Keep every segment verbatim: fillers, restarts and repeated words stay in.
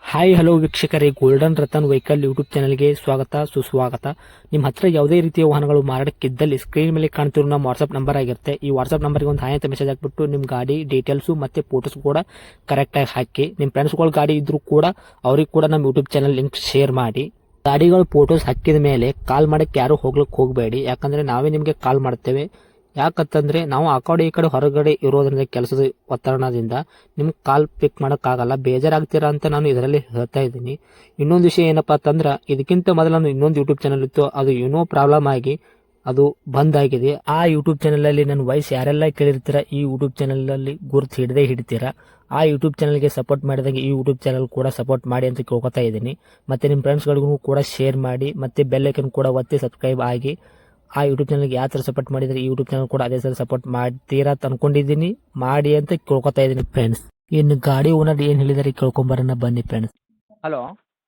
Hi hello ವೀಕ್ಷಕರೇ, golden Ratan vehicle YouTube ಚಾನಲ್ಗೆ ಸ್ವಾಗತ ಸುಸ್ವಾಗತ. ನಿಮ್ಮ ಹತ್ರ ಯಾವುದೇ ರೀತಿಯ ವಾಹನಗಳು ಮಾರಾಟಕ್ಕಿದ್ದಲ್ಲಿ ಸ್ಕ್ರೀನ್ ಮೇಲೆ ಕಾಣ್ತಿರೋ ನಮ್ಮ ವಾಟ್ಸ್ಆಪ್ ನಂಬರ್ ಆಗಿರುತ್ತೆ. ಈ ವಾಟ್ಸ್ಆಪ್ ನಂಬರ್ಗೆ ಒಂದು ಹಾಯ್ ಅಂತ ಮೆಸೇಜ್ ಹಾಕ್ಬಿಟ್ಟು ನಿಮ್ಮ ಗಾಡಿ ಡೀಟೇಲ್ಸು ಮತ್ತೆ ಫೋಟೋಸ್ ಕೂಡ ಕರೆಕ್ಟಾಗಿ ಹಾಕಿ. ನಿಮ್ಮ ಫ್ರೆಂಡ್ಸ್ಗಳ ಗಾಡಿ ಇದ್ರೂ ಕೂಡ ಅವ್ರಿಗೆ ಕೂಡ ನಮ್ಮ ಯೂಟ್ಯೂಬ್ ಚಾನಲ್ ಲಿಂಕ್ ಶೇರ್ ಮಾಡಿ. ಗಾಡಿಗಳು ಫೋಟೋಸ್ ಹಾಕಿದ ಮೇಲೆ ಕಾಲ್ ಮಾಡಕ್ಕೆ ಯಾರು ಹೋಗ್ಲಿಕ್ಕೆ ಹೋಗಬೇಡಿ, ಯಾಕಂದ್ರೆ ನಾವೇ ನಿಮಗೆ ಕಾಲ್ ಮಾಡ್ತೇವೆ. ಯಾಕಂತಂದ್ರೆ ನಾವು ಆ ಕಡೆ ಈ ಕಡೆ ಹೊರಗಡೆ ಇರೋದ್ರಿಂದ ಕೆಲಸದ ಒತ್ತಡದಿಂದ ನಿಮ್ಗೆ ಕಾಲ್ ಪಿಕ್ ಮಾಡೋಕ್ಕಾಗಲ್ಲ, ಬೇಜಾರಾಗ್ತೀರಾ ಅಂತ ನಾನು ಇದರಲ್ಲಿ ಹೇಳ್ತಾ ಇದ್ದೀನಿ. ಇನ್ನೊಂದು ವಿಷಯ ಏನಪ್ಪಾ ಅಂತಂದ್ರೆ, ಇದಕ್ಕಿಂತ ಮೊದಲು ನಾನು ಇನ್ನೊಂದು ಯೂಟ್ಯೂಬ್ ಚಾನಲ್ ಇತ್ತು, ಅದು ಏನೋ ಪ್ರಾಬ್ಲಮ್ ಆಗಿ ಅದು ಬಂದ್ ಆಗಿದೆ. ಆ ಯೂಟ್ಯೂಬ್ ಚಾನಲ್ ಅಲ್ಲಿ ನನ್ನ ವಾಯ್ಸ್ ಯಾರೆಲ್ಲ ಕೇಳಿರ್ತೀರಾ, ಈ ಯೂಟ್ಯೂಬ್ ಚಾನಲ್ ಅಲ್ಲಿ ಗುರುತು ಹಿಡದೆ ಹಿಡಿತೀರಾ. ಆ ಯೂಟ್ಯೂಬ್ ಚಾನಲ್ಗೆ ಸಪೋರ್ಟ್ ಮಾಡಿದಾಗ ಈ ಯೂಟ್ಯೂಬ್ ಚಾನಲ್ ಕೂಡ ಸಪೋರ್ಟ್ ಮಾಡಿ ಅಂತ ಕೇಳ್ಕೊತಾ ಇದ್ದೀನಿ. ಮತ್ತೆ ನಿಮ್ಮ ಫ್ರೆಂಡ್ಸ್ಗಳಿಗೂ ಕೂಡ ಶೇರ್ ಮಾಡಿ, ಮತ್ತೆ ಬೆಲ್ ಐಕನ್ ಕೂಡ ಒತ್ತಿ ಸಬ್ಸ್ಕ್ರೈಬ್ ಆಗಿ. ಆ ಯೂಟ್ಯೂಬ್ ಚಾನಲ್ಗೆ ಯಾವ ಥರ ಸಪೋರ್ಟ್ ಮಾಡಿದರೆ ಈ ಯೂಟ್ಯೂಬ್ ಚಾನಲ್ ಕೂಡ ಅದೇ ಥರ ಸಪೋರ್ಟ್ ಮಾಡ್ತೀರಾ ಅಂತ ಅನ್ಕೊಂಡಿದ್ದೀನಿ. ಮಾಡಿ ಅಂತ ಕೇಳ್ಕೊತಾ ಇದ್ದೀನಿ ಫ್ರೆಂಡ್ಸ್. ಇನ್ನು ಗಾಡಿ ಓನರ್ ಏನು ಹೇಳಿದಾರೆ ಕೇಳ್ಕೊಂಬರೋಣ ಬನ್ನಿ ಫ್ರೆಂಡ್ಸ್. ಹಲೋ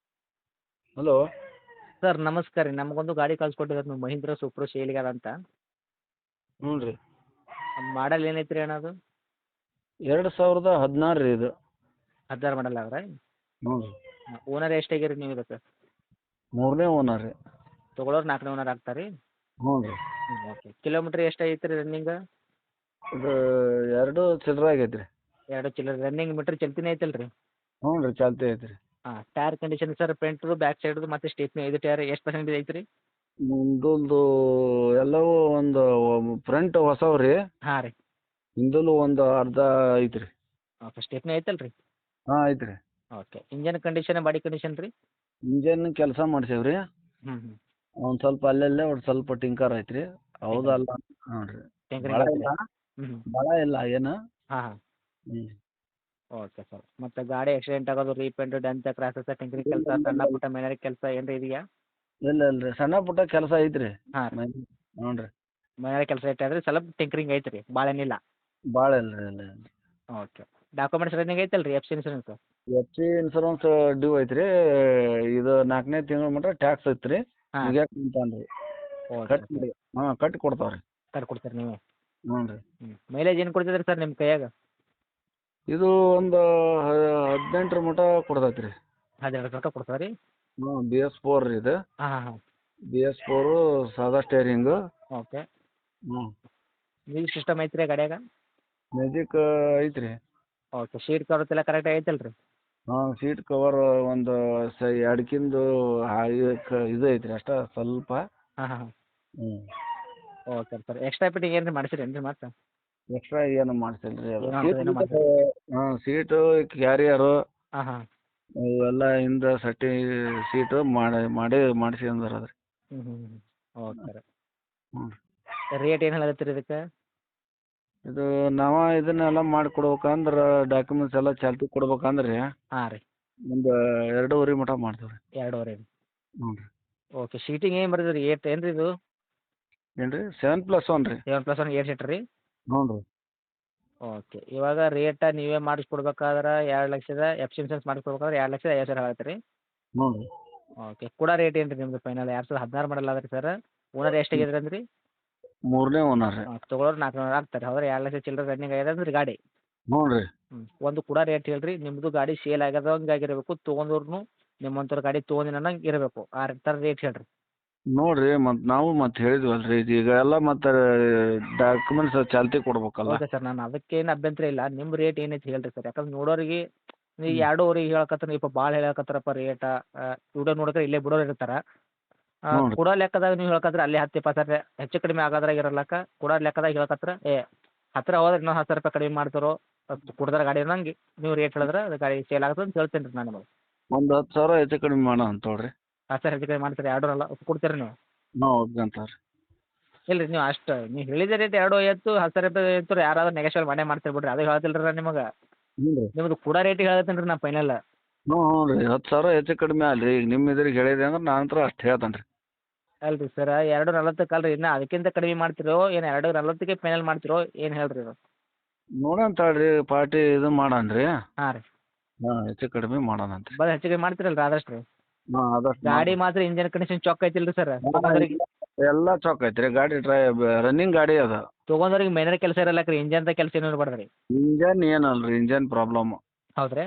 ಹಲೋ ಸರ್, ನಮಸ್ಕಾರ ರೀ. ನಮಗೊಂದು ಗಾಡಿ ಕಳ್ಸಿಕೊಟ್ಟಿದ್ದಾರೆ ನೀವು, ಮಹೀಂದ್ರ ಸೂಪ್ರೋ ಶೇಲಿಗಾರ ಅಂತ. ಹ್ಞೂ ರೀ. ಮಾಡಲ್ ಏನೈತ್ರಿ ಅಣ್ಣ ಅದು? ಎರಡು ಸಾವಿರದ ಹದಿನಾರು ರೀ ಇದು. ಹದಿನಾರು ಮಾಡಲ್ ಅವ್ರೆ? ಹ್ಞೂ ರೀ. ಓನರ್ ಎಷ್ಟಾಗಿರಿ ನೀವು ಇದಕ್ಕೆ? ಮೂರನೇ ಓನರ್ ರೀ. ತೊಗೊಳೋರು ನಾಲ್ಕನೇ ಓನರ್ ಆಗ್ತಾರೆ ರೀ? ಹ್ಞೂ ರೀ. ಓಕೆ. ಕಿಲೋಮೀಟ್ರ್ ಎಷ್ಟು ಐತ್ರಿ ರನ್ನಿಂಗ್? ಇದು ಎರಡು ಚಿಲ್ಲರೆ ಆಗೈತೆ ರೀ. ಎರಡು ಚಿಲ್ಲರೆ ರನ್ನಿಂಗ್ ಮೀಟ್ರ್ ಚಲ್ತಿನೇ ಐತಲ್ಲ ರೀ? ಹ್ಞೂ ರೀ, ಚಾಲ್ತಿ ಐತೆ ರೀ. ಹಾಂ. ಟೈರ್ ಕಂಡೀಷನ್ ಸರ್, ಫ್ರಂಟ್ದು ಬ್ಯಾಕ್ ಸೈಡ್ದು ಮತ್ತು ಸ್ಟೇಪ್ನಿ ಐದು ಟೈರ್ ಎಷ್ಟು ಪರ್ಸೆಂಟೇಜ್ ಐತ್ರಿ? ಮುಂದೊಂದು ಎಲ್ಲವೂ ಒಂದು ಫ್ರಂಟ್ ಹೊಸವು ರೀ. ಹಾಂ ರೀ. ಹಿಂದಲು ಒಂದು ಅರ್ಧ ಐತೆ ರೀ. ಓಕೆ. ಸ್ಟೇಪ್ನಿ ಐತಲ್ಲ ರೀ? ಹಾಂ ಐತೆ ರೀ. Okay. Engine condition, body condition ರೀ? ಇಂಜನ್ ಕೆಲಸ ಮಾಡ್ಸೇವೆ ರೀ. ಹ್ಞೂ ಹ್ಞೂ. ಒಂದು ಸ್ವಲ್ಪ ಅಲ್ಲಲ್ಲೇ ಒಂದು ಸ್ವಲ್ಪ ಟಿಂಕರ್ ಐತೆ ರೀ. ಹೌದಲ್ಲ? ಹ್ಞೂ ರೀ. ಭಾಳ ಇಲ್ಲ, ಹ್ಞೂ ಭಾಳ ಇಲ್ಲ ಏನು. ಹಾಂ ಹಾಂ. ಹ್ಞೂ. Okay sir. ಮತ್ತು ಗಾಡಿ ಆಕ್ಸಿಡೆಂಟ್ ಆಗೋದು, ರೀಪೇಂಟ್, ಡೆಂತ್, ಕ್ರಾಸಸ್, ಟಿಂಕರಿಂಗ್ ಕೆಲಸ, ಸಣ್ಣ ಪುಟ್ಟ ಮೆಕ್ಯಾನಿಕ್ ಕೆಲಸ ಏನಾರ ಇದೆಯಾ? ಇಲ್ಲ ಇಲ್ಲ ರೀ, ಸಣ್ಣ ಪುಟ್ಟ ಕೆಲಸ ಐತೆ ರೀ. ಹಾಂ ರೀ. ಹ್ಞೂ ರೀ. ಮೆಕ್ಯಾನಿಕ್ ಕೆಲಸ ಐತೆ ಸ್ವಲ್ಪ ಟಿಂಕರಿಂಗ್ ಐತೆ ರೀ, ಭಾಳ ಏನಿಲ್ಲ? ಭಾಳ ಇಲ್ಲ ರೀ. ಇಲ್ಲ ಇಲ್ಲ. ಓಕೆ. ಡಾಕ್ಯುಮೆಂಟ್ಸ್ ರನ್ನಿಂಗ್ ಐತಲ್ಲ ರೀ? F C insurance? F C insurance due ಐತೆ ರೀ. ಇದು ನಾಲ್ಕನೇ ತಿಂಗಳ ಮಟ್ಟ ಟ್ಯಾಕ್ಸ್ ಐತೆ ರೀ. ಹಾಂ. ಮುಗ್ಯಾಕ ಕುಂತಾನ ರೀ. ಓಕೆ. ಕಟ್ಟಿ ಹಾಂ ಕಟ್ಟಿ ಕೊಡ್ತಾವೆ ರೀ. ಕೊಡ್ತೀರಿ ನೀವೇ? ಹ್ಞೂ ರೀ. ಹ್ಞೂ. ಮೈಲೇಜ್ ಏನು ಕೊಡ್ತಿದ್ರಿ ಸರ್ ನಿಮ್ಮ ಕೈಯಾಗ? ಇದು ಒಂದು ಹದಿನೆಂಟರ ಮಟ್ಟ ಕೊಡ್ತೈತೆ ರೀ. ಹದಿನೆರಡು ತನಕ ಕೊಡ್ತಾರೆ ರೀ? ಹ್ಞೂ. ಬಿ ಎಸ್ ಫೋರ್ ರೀ ಇದು. ಹಾಂ ಹಾಂ ಹಾಂ. ಬಿ ಎಸ್ ಫೋರು, ಸಾದಾ ಸ್ಟೇರಿಂಗು. ಓಕೆ. ಹ್ಞೂ. ಮ್ಯೂಸಿಕ್ ಸಿಸ್ಟಮ್ ಐತ್ರಿ ಗಾಡ್ಯಾಗ? ಮ್ಯಾಜಿಕ್ ಐತೆ ರೀ. ಓಕೆ. ಶೀಟ್ ಕವರ್ಸ್ ಎಲ್ಲ ಕರೆಕ್ಟ್ ಐತಲ್ಲ ರೀ? ಹಾಂ. ಸೀಟ್ ಕವರ್ ಒಂದು ಸ ಎಡಕಿಂದು ಇದು ಐತೆ ರೀ ಅಷ್ಟೇ ಸ್ವಲ್ಪ. ಹಾಂ ಹಾಂ ಹಾಂ. ಹ್ಞೂ. Okay sir. ಎಕ್ಸ್ಟ್ರಾ ಫಿಟ್ಟಿಂಗ್ ಏನು ಮಾಡಿಸಿರೇನು ರೀ ಮತ್ತೆ? ಎಕ್ಸ್ಟ್ರಾ ಏನು ಮಾಡಿಸಿಲ್ಲ ರೀ ಅದು. ಏನು ಏನು ಮಾಡಿಸಿಲ್ಲ? ಹಾಂ. ಸೀಟು, ಕ್ಯಾರಿಯರು ಹಾಂ ಹಾಂ. ಇವೆಲ್ಲ ಹಿಂದೆ ಸಟ್ಟಿ ಸೀಟು ಮಾಡಿ ಮಾಡಿ ಮಾಡಿಸ್ಕೊಂಡಾರ ಅದ್ರಿ. ಹ್ಞೂ ಹ್ಞೂ ಹ್ಞೂ. ಓಕೆ ರೀ. ಹ್ಞೂ. ರೇಟ್ ಏನು ಹೇಳತ್ತೀರಿ ಇದಕ್ಕೆ? ಇದು ನಾವು ಇದನ್ನೆಲ್ಲ ಮಾಡಿ ಕೊಡ್ಬೇಕಂದ್ರೆ ಡಾಕ್ಯುಮೆಂಟ್ಸ್ ಎಲ್ಲ ಚಾಲ್ತಿ ಕೊಡ್ಬೇಕಂದ್ರೆ ಹಾಂ ರೀ. ಒಂದು ಎರಡೂವರೆ ಮಟ ಮಾಡ್ತೀವಿ ರೀ. ಎರಡೂವರೆ ರೀ? ಹ್ಞೂ ರೀ. ಓಕೆ. ಸೀಟಿಂಗ್ ಏನು ಬರ್ತದೆ ರೀ? ಏಟ್ ಏನು ರೀ ಇದು? ಏನು ರೀ? ಸೆವೆನ್ ಪ್ಲಸ್ ಒನ್ ರೀ. Seven plus one eight seater ರೀ? ಹ್ಞೂ ರೀ. ಓಕೆ. ಇವಾಗ ರೇಟ ನೀವೇ ಮಾಡಿಸ್ಕೊಡ್ಬೇಕಾದ್ರೆ ಎರಡು ಲಕ್ಷದ ಎಫ್ ಸಿ ಇನ್ಸೂರೆನ್ಸ್ ಮಾಡಿಸ್ಕೊಡ್ಬೇಕಾದ್ರೆ ಎರಡು ಲಕ್ಷದ ಐವತ್ತು ಸಾವಿರ ಆಗತ್ತೆ ರೀ? ಹ್ಞೂ ರೀ. ಓಕೆ. ಕೂಡ ರೇಟ್ ಏನು ರೀ ನಿಮ್ಮದು ಫೈನಲ್? ಎರಡು ಸಾವಿರದ ಹದಿನಾರು ಮಾಡಲ್ ಅದ ರೀ ಸರ್. ಓನರ್ ಎಷ್ಟಾಗಿದ್ರಿ ಅಂದ್ರಿ? ಮೂರನೇ ಓನರ್ ರೀ. ಹಾಂ. ತೊಗೊಳೋರು ನಾಲ್ಕು ನೂರು ಆಗ್ತಾರೆ. ಹೌದ್ರೆ ಎರಡು ಲಕ್ಷ ಚಿಲ್ಲರೆ ರನ್ನಿಂಗ್ ಆಗ್ಯದ ಅಂದ್ರೆ ಗಾಡಿ? ಹ್ಞೂ ರೀ. ಹ್ಞೂ. ಒಂದು ಕೂಡ ರೇಟ್ ಹೇಳ್ರಿ. ನಿಮ್ಮದು ಗಾಡಿ ಸೇಲ್ ಆಗ್ಯದಂಗೆ ಆಗಿರಬೇಕು, ತೊಗೊಂಡವ್ರು ನಿಮ್ಮಂಥವ್ರು ಗಾಡಿ ತೊಗೊಂಡಿನ ಅನ್ನಂಗೆ ಇರಬೇಕು. ಆ ಥರ ರೇಟ್ ಹೇಳ್ರಿ. ನೋಡಿರಿ, ಮತ್ತು ನಾವು ಮತ್ತೆ ಹೇಳಿದ್ವಲ್ಲ ರೀ, ಈಗ ಎಲ್ಲ ಮತ್ತೆ ಡಾಕ್ಯುಮೆಂಟ್ಸ್ ಚಾಲ್ತಿ ಕೊಡ್ಬೇಕಲ್ಲ. Okay sir. ನಾನು ಅದಕ್ಕೇನು ಅಭ್ಯಂತರ ಇಲ್ಲ. ನಿಮ್ಮ ರೇಟ್ ಏನೈತೆ ಹೇಳ್ರಿ ಸರ್. ಯಾಕಂದ್ರೆ ನೋಡೋರಿಗೆ ನೀವು ಎರಡೂವರೆಗೆ ಹೇಳಕತ್ತರ, ಇಪ್ಪ ಭಾಳ ಹೇಳಕತ್ತಾರಪ್ಪ ರೇಟ. ವಿಡಿಯೋ ನೋಡಿದ್ರೆ ಇಲ್ಲೇ ಬಿಡೋರು ಇರ್ತಾರೆ. ಹ್ಞೂ ರೀ. ಕೊಡೋ ಲೆಕ್ಕದಾಗ ನೀವು ಹೇಳಕತ್ರೆ ಅಲ್ಲಿ ಹತ್ತು ಇಪ್ಪತ್ತು ಸಾವಿರ ಹೆಚ್ಚು ಕಡಿಮೆ ಆಗೋದ್ರಾಗ ಇರಲ್ಲಕ್ಕ. ಕೊಡೋ ಲೆಕ್ಕದಾಗ ಹೇಳಕತ್ರ ಏ ಹತ್ತಿರ ಹೋದ್ರೆ ಇನ್ನೊಂದು ಹತ್ತು ಸಾವಿರ ರೂಪಾಯಿ ಕಡಿಮೆ ಮಾಡ್ತಾರೋ, ಕುಡ್ದಾರ ಗಾಡಿ ಅನ್ನಂಗೆ ನೀವು ರೇಟ್ ಹೇಳಿದ್ರೆ ಅದು ಗಾಡಿ ಸೇಲ್ ಆಗುತ್ತೆ ಅಂತ ಹೇಳ್ತೀನಿ ರೀ ನಾನು ನಿಮಗೆ. ಒಂದು ಹತ್ತು ಸಾವಿರ ಹೆಚ್ಚು ಕಡಿಮೆ ಮಾಡೋಣ ಅಂತ ನೋಡಿರಿ. ಹತ್ತು ಸಾವಿರ ಹೆಚ್ಚು ಕಡಿಮೆ ಮಾಡ್ತೀರಿ? ಎರಡು ಅಲ್ಲ ಕೊಡ್ತೀರಿ ನೀವು? ನಾವು ಒಪ್ಕೊಂತಾರೆ. ಇಲ್ಲ ರೀ, ನೀವು ಅಷ್ಟು ನೀವು ಹೇಳಿದ ರೇಟ್ ಎರಡು ಐವತ್ತು ಹತ್ತು ಸಾವಿರ ರೂಪಾಯಿ ಇತ್ತು, ಯಾರಾದ್ರೂ ನೆಗೆಶ್ವಲ್ ಮಾಡೇ ಮಾಡ್ತೀರಿ ಬಿಡ್ರಿ. ಅದು ಹೇಳ್ತಿಲ್ಲ ರೀ ನಾನು ನಿಮಗೆ. ಹ್ಞೂ ರೀ. ನಿಮ್ಮದು ಕೂಡ ರೇಟಿಗೆ ಹೇಳ್ತೀನಿ ರೀ ನಾನು ಫೈನಲ್. ಹ್ಞೂ ಹ್ಞೂ ರೀ. ಹತ್ತು ಸಾವಿರ ಹೆಚ್ಚು ಕಡಿಮೆ ಅಲ್ರಿ. ಈಗ ನಿಮ್ಮ ಇದ್ರಿಗೆ ಹೇಳಿದೆ ಅಂದ್ರೆ ನಾನು ಹತ್ರ ಅಷ್ಟು ಹೇಳ್ತೇನೆ ರೀ. ಅಲ್ಲ ರೀ ಸರ, ಎರಡು ನಲ್ವತ್ತಕ್ಕೆ ಅಲ್ಲ ರೀ, ಇನ್ನು ಅದಕ್ಕಿಂತ ಕಡಿಮೆ ಮಾಡ್ತಿರೋ ಏನು ಎರಡು ನಲ್ವತ್ತಕ್ಕೆ ಫೈನಲ್ ಮಾಡ್ತಿರೋ ಏನು ಹೇಳ್ರಿ ಇದು? ನೋಡೋಣ ತಗೊಳ್ರಿ, ಪಾರ್ಟಿ ಇದು ಮಾಡೋಣ ರೀ. ಹಾಂ ರೀ. ಹಾಂ. ಹೆಚ್ಚು ಕಡಿಮೆ ಮಾಡೋಣ ಅಂತ. ಬರೀ ಹೆಚ್ಚು ಕಡಿಮೆ ಮಾಡ್ತಿರಲ್ಲ ರೀ ಆದಷ್ಟು ರೀ? ಹಾಂ. ಆದಷ್ಟು ಗಾಡಿ ಮಾತ್ರ ಇಂಜನ್ ಕಂಡೀಷನ್ ಚೊಕ್ ಐತಿಲ್ಲ ರೀ ಸರ್? ತೊಗೊಂಡ್ರಿಗೆ ಎಲ್ಲ ಚೊಕ್ ಐತೆ ರೀ. ಗಾಡಿ ಡ್ರೈ ರನ್ನಿಂಗ್ ಗಾಡಿ ಅದ. ತೊಗೊಂಡ್ರಿಗೆ ಮೇನರ್ ಕೆಲಸ ಇರಲ್ಲ ರೀ, ಇಂಜನ್ದ ಕೆಲಸ ಏನು ಇರ್ಬಾರ್ದು ರೀ? ಇಂಜನ್ ಏನಲ್ಲ ರೀ, ಇಂಜನ್ ಪ್ರಾಬ್ಲಮ್. ಹೌದ್ರಿ?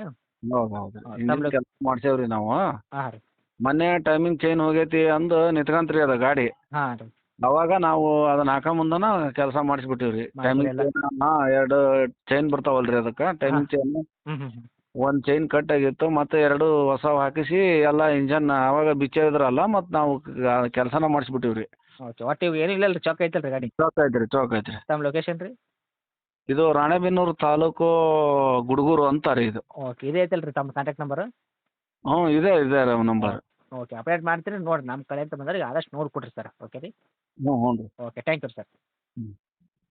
ಹೌದು ಹೌದು ಹೌದು, ಇಂಜಿನ್ ತಮ್ಮ ಕೆಲಸ ಮಾಡ್ಸೇವ್ರಿ ನಾವು. ಹಾಂ ರೀ ಮೊನ್ನೆ ಟೈಮಿಂಗ್ ಚೈನ್ ಹೋಗೈತಿ ಅಂದು ನಿಂತ್ಕಂತ್ರಿ ಅದ ಗಾಡಿ. ಹಾಂ ರೀ ಅವಾಗ ನಾವು ಅದನ್ನ ಹಾಕ ಮುಂದನ ಕೆಲಸ ಮಾಡಿಸ್ಬಿಟ್ಟಿವ್ರಿ. ಮಾಡಿದ್ರಿ ಟೈಮಿಂಗ್ ಎಲ್ಲ? ಚೈನ್ ಹಾಂ ಎರಡು ಚೈನ್ ಬರ್ತಾವಲ್ರಿ ಅದಕ್ಕೆ ಟೈಮಿಂಗ್ ಚೈನ್. ಹ್ಞೂ ಹ್ಞೂ ಹ್ಞೂ ಒಂದು ಚೈನ್ ಕಟ್ ಆಗಿತ್ತು, ಮತ್ತೆ ಎರಡು ಹೊಸವು ಹಾಕಿಸಿ ಎಲ್ಲ ಇಂಜನ್ ಅವಾಗ ಬಿಚ್ಚಿದ್ರಲ್ಲ, ಮತ್ತು ನಾವು ಕೆಲಸನ ಮಾಡಿಸ್ಬಿಟ್ಟಿವ್ರಿ. ಓಕೆ, ಒಟ್ಟು ಇವು ಏನೂ ಇಲ್ಲ ರೀ, ಚೊಕ್ ಐತಲ್ಲ ರೀ ಗಾಡಿ? ಚೌಕ ಐತ್ರಿ ಚೌಕ ಐತ್ರಿ. ತಮ್ಮ ಲೊಕೇಶನ್ ರೀ? ಇದು ರಾಣೆಬೆನ್ನೂರು ತಾಲೂಕು ಗುಡ್ಗೂರು ಅಂತ ರೀ ಇದು. ಓಕೆ, ಇದೇ ಐತಲ್ಲ ರೀ ತಮ್ಮ ಕಾಂಟ್ಯಾಕ್ಟ್ ನಂಬರು? ಹ್ಞೂ ಇದೆ ಇದೆ ರೀ ನಂಬರ್. ಓಕೆ, ಅಪ್ಡೇಟ್ ಮಾಡ್ತೀರಿ ನೋಡಿರಿ, ನಮ್ಮ ಕಡೆ ಅಂತ ಬಂದ್ರೆ ಆದಷ್ಟು ನೋಡಿ ಕೊಡಿರಿ ಸರ್. ಓಕೆ ರೀ? ಹ್ಞೂ ಹ್ಞೂ ರೀ. Okay, thank you sir. ಹ್ಞೂ